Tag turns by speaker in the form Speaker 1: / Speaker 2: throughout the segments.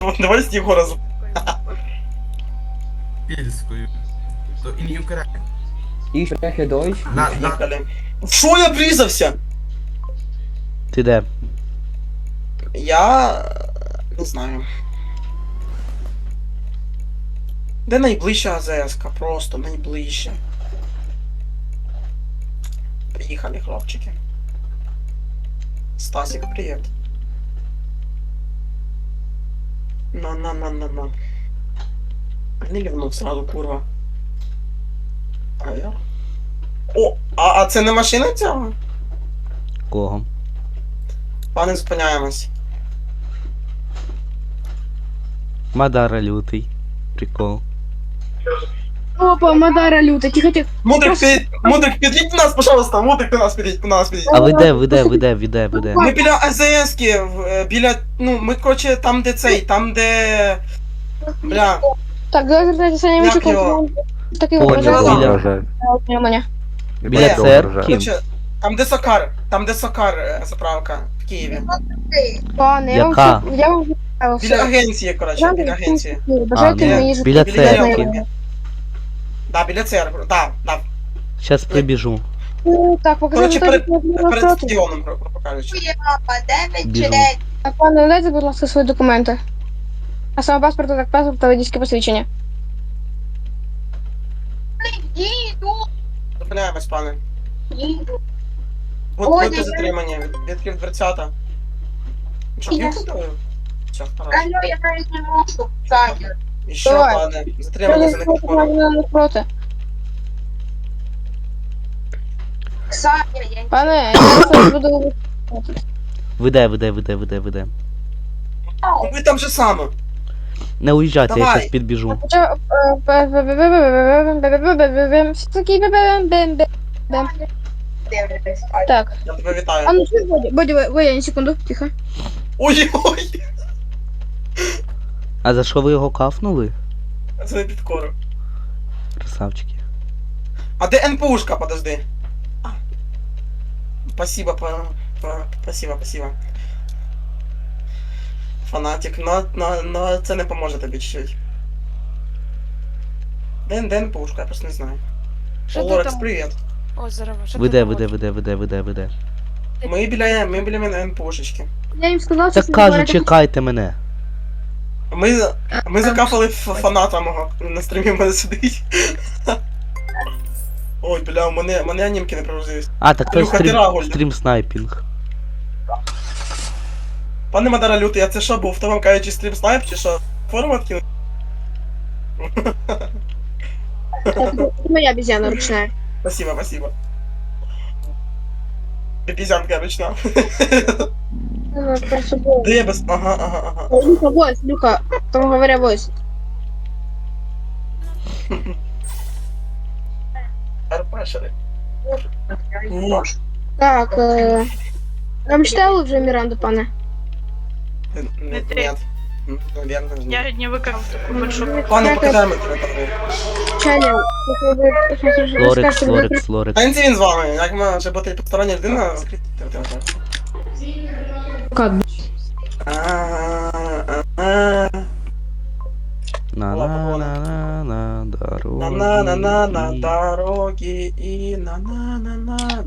Speaker 1: Давай з Єгора з...
Speaker 2: Пільською. То in Ukraine.
Speaker 3: Ich spreche Deutsch.
Speaker 1: Поїхали. Що я врізався?
Speaker 4: Ти де?
Speaker 1: Я... не знаю. Де найближча АЗС-ка? Просто найближча. Приїхали, хлопчики. Стасик, привіт. На. Не лівнув сразу, курва. А я? О, а це не машина цього?
Speaker 4: Кого?
Speaker 1: Пане, зупиняємось.
Speaker 4: Мадара лютий. Прикол.
Speaker 5: Опа, Мадара люта, тихо.
Speaker 1: Мудрик, підійдь до нас, пожалуйста, Мудрик, до нас підійдь.
Speaker 4: А ви де?
Speaker 1: Ми біля АЗС-ки, біля, ну, ми, короче, там, де цей, там, де... Бля,
Speaker 5: Так, давай звертайтеся на
Speaker 1: як
Speaker 5: Німчику.
Speaker 1: його?
Speaker 5: Такий
Speaker 4: Понял,
Speaker 5: ображає.
Speaker 4: біля
Speaker 1: Де?
Speaker 4: церкви.
Speaker 1: Короче, там, де Сокар, заправка, в Києві.
Speaker 5: Пане,
Speaker 4: Яка?
Speaker 5: я вам
Speaker 1: Біля агенції, короче, біля агенції.
Speaker 5: Бажайте
Speaker 4: ну,
Speaker 5: мені
Speaker 4: біля
Speaker 5: життя.
Speaker 4: церкви.
Speaker 1: Да, біля церкви, да.
Speaker 4: Щас прибіжу.
Speaker 5: Так, покажи,
Speaker 1: Короче,
Speaker 5: що
Speaker 1: перед стадіоном, грубо кажучи.
Speaker 4: Біжу.
Speaker 5: Так, пане, дайте, будь ласка, свої документи. А саме паспорт, так, паспорт та водійське посвідчення.
Speaker 1: Зупиняємось, пане. Будьте затримані, відкрив дверцята. Що, п'ю купив? Все, хорошо.
Speaker 6: Алло, я навіть не можу. Саня.
Speaker 1: І що,
Speaker 5: Давай.
Speaker 1: пане, затримані за неконтролем.
Speaker 5: Напроти.
Speaker 6: Саня, я
Speaker 5: Пане, я зараз буду...
Speaker 4: Ви де?
Speaker 1: Ви там же саме.
Speaker 4: Не уїжджайте, я
Speaker 1: Давай.
Speaker 4: щас підбіжу.
Speaker 6: дивлюсь.
Speaker 5: Так,
Speaker 1: Я тебе
Speaker 5: а
Speaker 1: вітаю.
Speaker 5: ну что, Бодя, на секунду, тихо.
Speaker 1: Ой-ой!
Speaker 4: А за що ви його кафнули?
Speaker 1: Це не підкору.
Speaker 4: Красавчики.
Speaker 1: А де НПУшка, подожди. Спасибо, спасибо. Фанатик, но це не поможе тобі чуть-чуть. Де НПУшка, я просто не знаю.
Speaker 7: Що ти
Speaker 1: Лорекс,
Speaker 7: там?
Speaker 1: привіт.
Speaker 7: О, здорово. Що
Speaker 4: Ви
Speaker 7: ти
Speaker 4: де?
Speaker 7: робиш?
Speaker 1: Ми біля НПУшечки.
Speaker 5: Я їм сказав,
Speaker 4: Так кажу, чекайте мене.
Speaker 1: Ми закафали фаната мого на стрімі, в мене сидить. Ой, бля, у мене анімки не прогрузились.
Speaker 4: А, так це
Speaker 1: Илюха, ти Рагуль.
Speaker 4: стрім снайпінг.
Speaker 1: Пане Мадара Лютий, а це що був? Хто вам кажучи стрім снайп чи що? Формат кинув?
Speaker 5: Моя обезьяна ручная.
Speaker 1: Спасибо. Бізянка ручна. Де я без... Ага.
Speaker 5: Люха, войс, Люха, там говоря войс.
Speaker 1: Арпашери.
Speaker 5: Так, вам читали вже Міранду, пане?
Speaker 1: Нет. Наверное, нет.
Speaker 7: Я не викрав таку большую.
Speaker 1: Пане, покидаємо тебе там.
Speaker 5: Чаня,
Speaker 4: Лорекс.
Speaker 1: А він з вами, як може бути постороння людина?
Speaker 4: На дорогі.
Speaker 1: На дороги і на.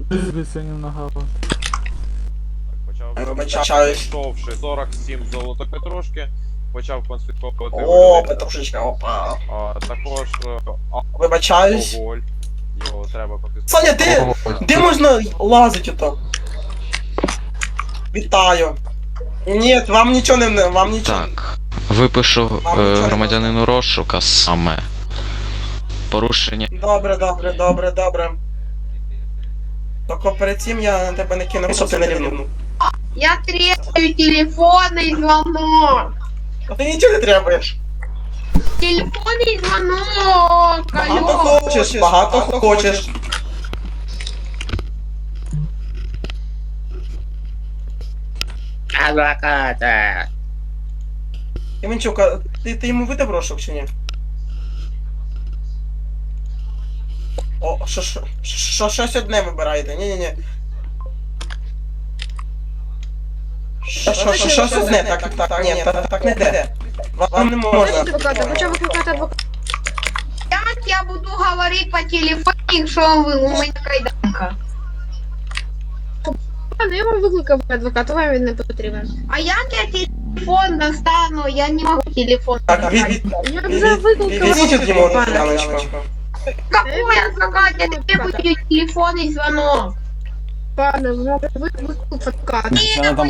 Speaker 1: Вибачаюсь.
Speaker 8: Прийшовши 47 золотопетрошки, почав конфісковувати
Speaker 1: О, Петрушечка, опа.
Speaker 8: також
Speaker 1: Вибачаюсь.
Speaker 8: алкоголь. Його треба конфісковувати.
Speaker 1: Саня, де можна лазити ото? Вітаю. Ні, вам нічого не... Вам нічого.
Speaker 9: Так, випишу громадянину розшука саме. Порушення.
Speaker 1: Добре. Тільки перед цим я на тебе не кину, щоб ти не рівнув.
Speaker 6: Я требую телефонний звонок.
Speaker 1: А ти нічого не требуєш.
Speaker 6: Телефонний звонок.
Speaker 1: Багато хочеш.
Speaker 3: Адвоката.
Speaker 1: Іванчук, ти йому видав розшук чи ні? О, щось одне вибираєте, ні. Щось одне, так, ні, так не йде. Вам не можна.
Speaker 5: Адвоката, почав викликати адвоката.
Speaker 6: Як я буду говорити по телефону, якщо ви у мене кайданка?
Speaker 5: Ну, я вам викликав адвоката, вам він не потрібен.
Speaker 6: А як я телефон достану? Я не можу телефон
Speaker 1: Так,
Speaker 6: достати.
Speaker 5: Я вже викликав
Speaker 1: відведіть йому
Speaker 5: адвоката.
Speaker 1: Яночку.
Speaker 6: Какой адвокат? Я требую телефонний звонок.
Speaker 5: Пане, вам викликав адвоката.
Speaker 6: Телефон,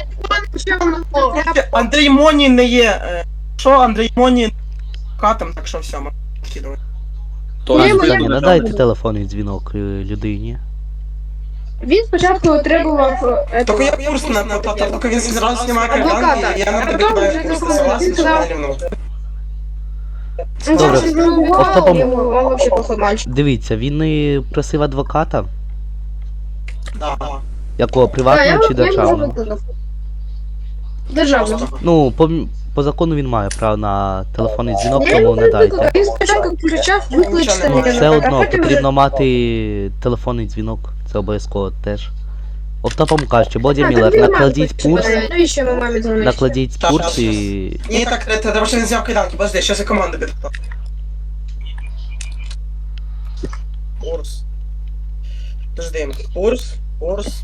Speaker 1: Андрій Моні не є. Що Андрій Моні катом, так що все, ми вкидали.
Speaker 4: Пане,
Speaker 5: моя-
Speaker 4: пані, надайте телефонний дзвінок людині.
Speaker 5: Він спочатку отримував...
Speaker 1: Тільки я курс на тільки він зразу знімає
Speaker 5: Адвоката.
Speaker 1: кайданки, я на
Speaker 5: А
Speaker 1: тебе
Speaker 5: потім
Speaker 1: кидаю
Speaker 5: вже
Speaker 1: курс, ти
Speaker 5: телефон.
Speaker 1: согласен,
Speaker 5: Він
Speaker 1: що
Speaker 5: сказав-
Speaker 1: я рівнув?
Speaker 4: Добре. Остапом-
Speaker 5: Он вообще плохой мальчик.
Speaker 4: Дивіться, він і просив адвоката.
Speaker 1: Да.
Speaker 4: Якого, приватного чи державного?
Speaker 5: Державного.
Speaker 4: Ну, по закону він має право на телефонний дзвінок,
Speaker 5: Я
Speaker 4: тому
Speaker 5: його
Speaker 4: надайте.
Speaker 5: викликав. Він спочатку кричав, викличте
Speaker 1: Ну,
Speaker 5: мене.
Speaker 4: Все
Speaker 5: а
Speaker 4: одно
Speaker 5: потім
Speaker 4: потрібно
Speaker 5: вже-
Speaker 4: мати телефонний дзвінок. Це обов'язково теж. Оптопом кажучи, Боді
Speaker 5: А,
Speaker 4: Міллер,
Speaker 5: так він мав
Speaker 4: накладіть
Speaker 5: викличте
Speaker 4: пурс,
Speaker 5: мене. Навіщо ми мамі дзвонити?
Speaker 4: накладіть
Speaker 1: Щас,
Speaker 4: пурс
Speaker 1: щас,
Speaker 4: і...
Speaker 1: Ні, так, треба, що він зняв кайданки, подожди, щас я команду підготовлю. Курс. Подожди, курс.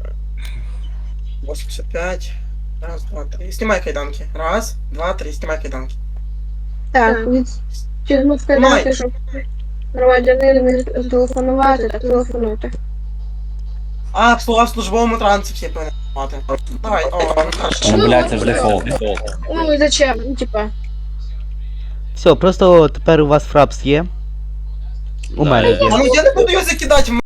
Speaker 1: 85. Раз, два, три. Снимай кайданки. Раз, два, три, снимай кайданки.
Speaker 5: Так, відстігнув кайданки, щоб громадянин міг телефонувати, так телефонуйте.
Speaker 1: А, в службовому транспорті повинен мати. Давай, о, ну хорошо.
Speaker 5: Ну, блядь, це ж дефолт. Ну і зачем? Ну, типа.
Speaker 4: Все, просто тепер у вас фрапс є. У мене є.
Speaker 1: А ну я не буду його закидати,